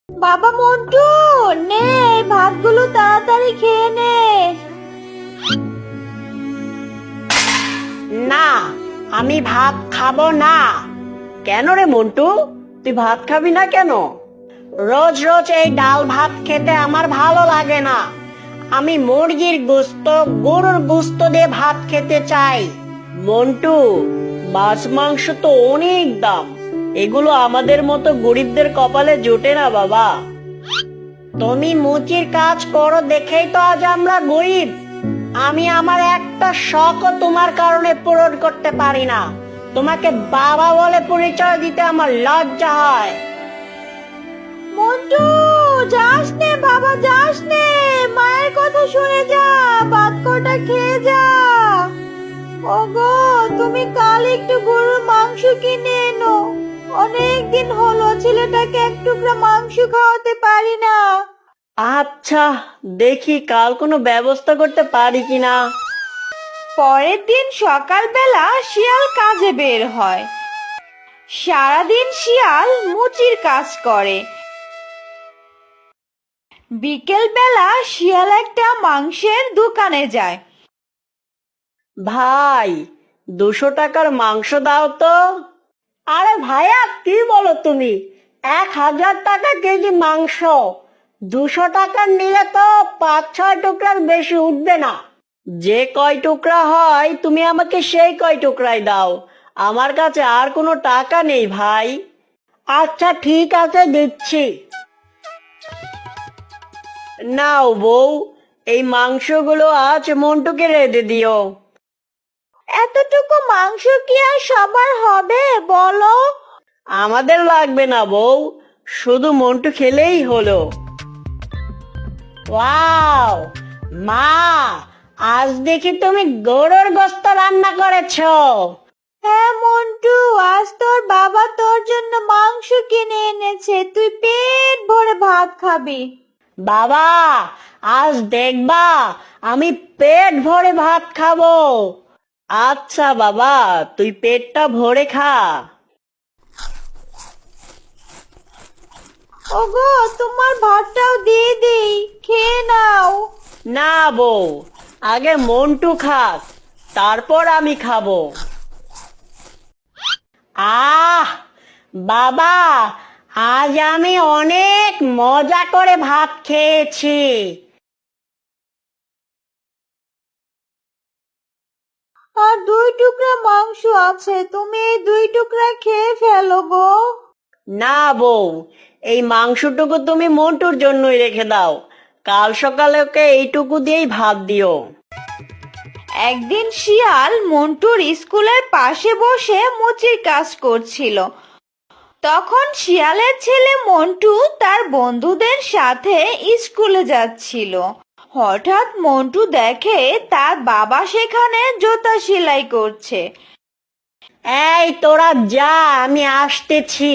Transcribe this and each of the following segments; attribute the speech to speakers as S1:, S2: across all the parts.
S1: বাবা মন্টু, নে এই ভাতগুলো তাড়াতাড়ি খেয়ে নে।
S2: না, আমি ভাত খাবো না। কেন রে মন্টু, তুই ভাত খাবি না কেন? রোজ রোজ এই ডাল ভাত খেতে আমার ভালো লাগে না। আমি মুরগির গোস্ত, গরুর গোস্ত দিয়ে ভাত খেতে চাই। মন্টু, মাছ মাংস তো অনেক দাম, এগুলো আমাদের মতো গরিবদের কপালে জোটে না বাবা। তুমি মুচির কাজ করো দেখেই তো আজ আমরা গরিব। আমি আমার একটা শখও তোমার কারণে পূরণ করতে পারি না। তোমাকে বাবা বলে পরিচয় দিতে আমার লজ্জা হয়।
S1: মন্টু, যাস নে বাবা, যাস নে, মায়ের কথা শুনে যা, ভাত কটা খেয়ে যা। ওগো, তুমি কাল একটু গরুর মাংস কিনে এনো। অনেকদিন হলো ছেলেটাকে এক টুকরা মাংস খাওয়াতে পারি না।
S2: আচ্ছা, দেখি কাল কোনো ব্যবস্থা করতে পারি কিনা।
S1: পরের দিন সকালবেলা শিয়াল কাজে বের হয়। সারাদিন শিয়াল মুচির কাজ করে। বিকেল বেলা শিয়াল একটা মাংসের দোকানে যায়।
S2: ভাই, 200 টাকার মাংস দাও তো। আরে ভাইয়া, কি বলো তুমি? 1000 টাকা কেজি মাংস। 200 টাকার নিলে তো 5-6 টুকরার বেশি উঠবে না। যে কয় টুকরা হয় তুমি আমাকে সেই কয় টুকরাই দাও। আমার কাছে আর কোনো টাকা নেই ভাই। আচ্ছা ঠিক আছে, দিচ্ছি। নাও বউ, এই মাংসগুলো আজ মন্টুকে রেঁধে দিও।
S1: এতটুকু মাংস কি আর সবার হবে বলো?
S2: আমাদের লাগবে না বউ, শুধু মন্টু খেলেই হলো। ওয়াও, মা, আজ দেখি তুমি গরুর গোশত রান্না করেছো।
S1: হ্যাঁ মন্টু, আজ তোর বাবা তোর জন্য মাংস কিনে এনেছে, তুই পেট ভরে ভাত খাবি।
S2: বাবা, আজ দেখবা আমি পেট ভরে ভাত খাবো। আচ্ছা বাবা, তুই পেটটা ভরে খা।
S1: ওগো, তোমার ভাতটাও দিয়ে দেই, খেয়ে নাও।
S2: না বউ, আগে মন্টু খাক, তারপর আমি খাবো। আহ বাবা, আজ আমি অনেক মজা করে ভাত খেয়েছি।
S1: আর 2 টুকরা মাংস আছে, তুমি এই 2 টুকরা খেয়ে ফেলো গো।
S2: না বউ, এই মাংসটুকু তুমি মন্টুর জন্যই রেখে দাও। কাল সকালে ওকে এইটুকু দিয়েই ভাত দিও।
S1: একদিন শিয়াল মন্টুর স্কুলের পাশে বসে মুচির কাজ করছিল। তখন শিয়ালের ছেলে মন্টু তার বন্ধুদের সাথে স্কুলে যাচ্ছিল। হঠাৎ মন্টু দেখে তার বাবা সেখানে জুতা সেলাই করছে।
S2: এই তোরা যা, আমি আসতেছি।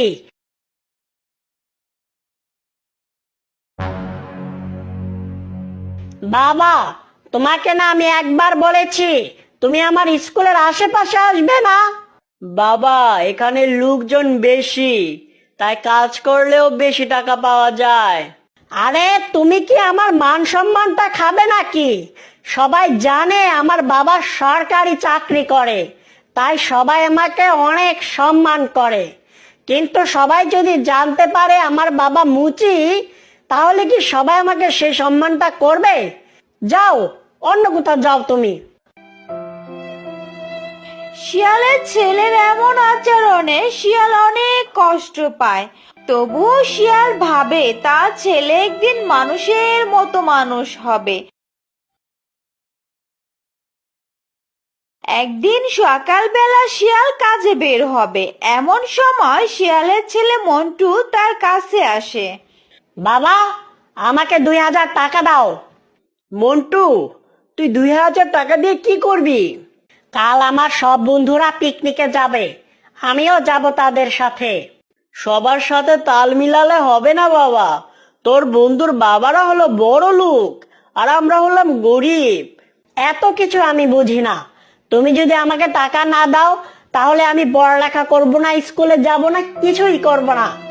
S2: বাবা, তোমাকে না আমি একবার বলেছি তুমি আমার স্কুলের আশেপাশে আসবে না। বাবা, এখানে লোকজন বেশি, তাই কাজ করলেও বেশি টাকা পাওয়া যায়। আরে তুমি কি আমার মান সম্মানটা খাবে নাকি? সবাই জানে আমার বাবা সরকারি চাকরি করে, তাই সবাই আমাকে অনেক সম্মান করে। কিন্তু সবাই যদি জানতে পারে আমার বাবা মুচি, তাহলে কি সবাই আমাকে সেই সম্মানটা করবে? যাও, অন্য কোথাও যাও তুমি।
S1: শিয়ালের ছেলের এমন আচরণে শিয়াল অনেক কষ্ট পায়। তবুও শিয়াল ভাবে তার ছেলে একদিন মানুষের মতো মানুষ হবে। একদিন সকালবেলা শিয়াল কাজে বের হবে, এমন সময় শিয়ালের ছেলে মন্টু তার কাছে আসে।
S2: বাবা, আমাকে 2000 টাকা দাও। মন্টু, তুই 2000 টাকা দিয়ে কি করবি? কাল আমার সব বন্ধুরা পিকনিকে যাবে, আমিও যাব তাদের সাথে। সবার সাথে তাল মিলালে হবে না বাবা। তোর বন্ধুর বাবারা হলো বড় লোক, আর আমরা হলাম গরিব। এত কিছু আমি বুঝি না। তুমি যদি আমাকে টাকা না দাও, তাহলে আমি পড়ালেখা করব না, স্কুলে যাব না, কিছুই করব না।